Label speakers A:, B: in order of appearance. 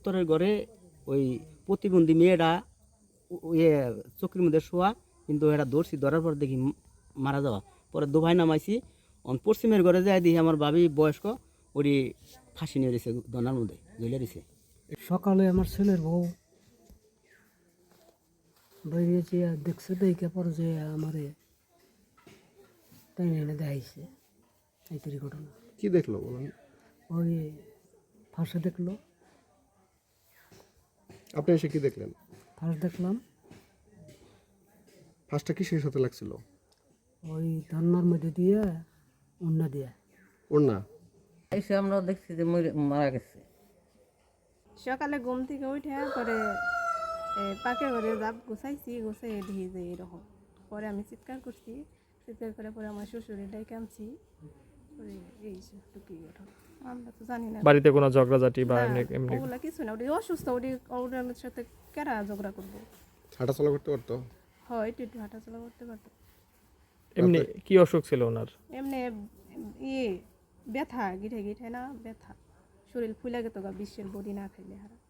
A: উত্তরের ঘরে ওই প্রতিবন্ধী মেয়েটা ইয়ে চোখের মধ্যে শোয়া, কিন্তু এরা ধরার পর দেখি মারা যাওয়া। পরে দোভাই নামাইছি, পশ্চিমের ঘরে যাই দেখি আমার ভাবি বয়স্ক ওরই ফাঁসি নিয়ে দিয়েছে, দনার মধ্যে ঝুলে দিছে।
B: সকালে আমার ছেলের বউ বেরিয়েছে, দেখছে দেখে পর যে আমারে তাই এনে দেখাইছে এই তৈরি ঘটনা।
C: কি দেখলো বলেন?
B: ওই ফাঁসে দেখলো,
C: আপনি এসে কি দেখলেন?
B: ফাঁস দেখলাম,
C: ফাঁসটা কিসের সাথে লাগছিল?
B: ওই ধন্যার মধ্যে দিয়ে অন্য দিয়ে।
C: ওর না
D: এসে আমরা দেখছি যে মারা গেছে।
E: সকালে ঘুম থেকে উঠে পরে পাকের ঘরে জাপ গুছাইছি, গুছাই দেখি যে এরকম। পরে আমি চিৎকার করছি, চিৎকার করে পরে আমার শ্বশুরের ডাইকে আনছি। পরে এই টুকি ঘটনা আমরা তো জানি না।
F: বাড়িতে কোনো ঝগড়াঝাটি বা
E: না,
F: এমনি
E: ওগুলা কিছু না, ওটি অসুস্থ, ওর সাথে কেরা ঝগড়া করবো।
C: হাঁটাচলা করতে পারতো?
E: হয় একটু একটু হাঁটাচলা করতে পারতো।
F: এমনি কি অসুখ ছিল ওনার?
E: এমনি ব্যথা, গিঠে গিঠে না ব্যথা, শরীর ফুলে গেত গা, বিশ্বের বডি না খাইলে হারা।